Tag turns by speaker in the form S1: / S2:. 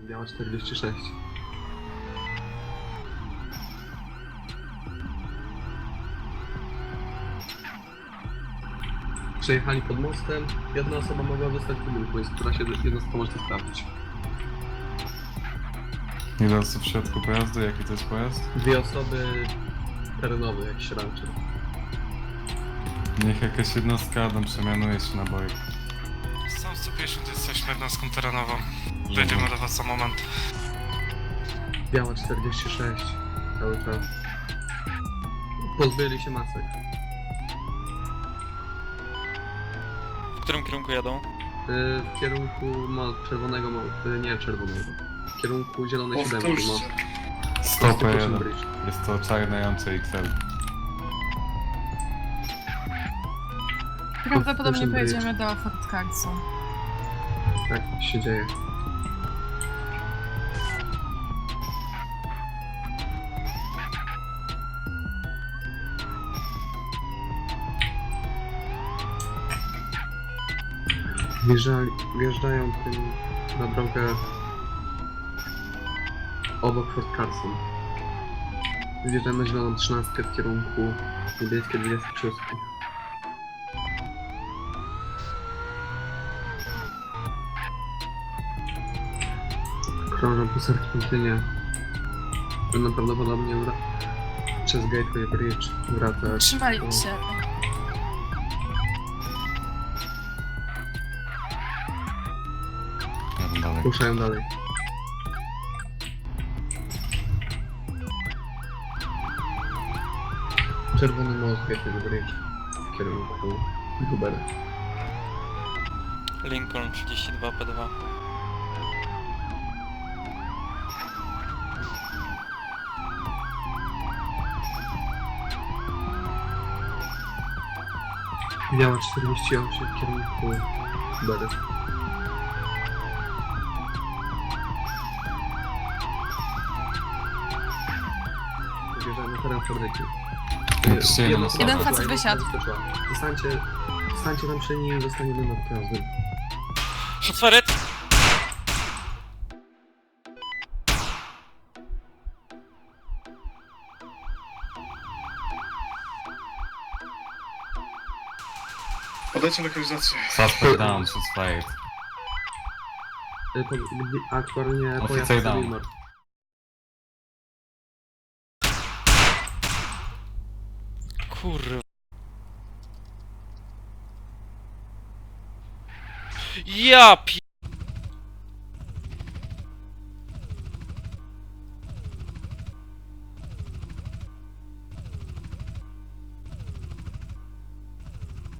S1: Biała 46. Przejechali pod mostem, jedna osoba mogła zostać w budynku, więc która się jedna osoba może to sprawdzić.
S2: Ile osób w środku pojazdu? Jaki to jest pojazd?
S1: Dwie osoby terenowe, jakiś rancher.
S2: Niech jakaś jednostka Adam przemianuje się na bojek. Sam 150 jesteśmy jednostką terenową. Będziemy do was za moment.
S1: Biała 46, cały czas. Pozbyli się masek.
S3: W którym kierunku jadą?
S1: W kierunku czerwonego, nie czerwonego. W kierunku zielonej siódemki.
S2: Stop 1.
S1: Bridge.
S2: Jest to czarnające XL.
S4: Prawdopodobnie
S1: Ocean Bridge.
S4: pojedziemy do Fort Carson.
S1: Tak się dzieje. Wjeżdżają tym na drogę obok Fort Carson. Wjeżdżają na zieloną 13 w kierunku niebieskie 26. Krążą po serpentinie. Będą prawdopodobnie przez Gateway Bridge wracać.
S4: Trzymali się.
S2: Jadę dalej.
S1: Ruszają dalej. Czerwony most Gateway Bridge w kierunku Hubera.
S3: Lincoln 32 P2.
S1: Biała 48 w kierunku Hubera. Wjeżdżamy na teren fabryki.
S2: Napiszcie jedną osobę.
S4: Jeden facet wysiadł.
S1: Zostańcie tam przy nim i zostanie jeden nad pojazdem.
S3: Szotferet!
S5: Podajcie lokalizację.
S2: Suspect down, shots fired.
S1: Aktualnie
S2: Oficer
S1: pojazd
S2: down.
S1: Savimor.
S3: Kurwa. Ja pi...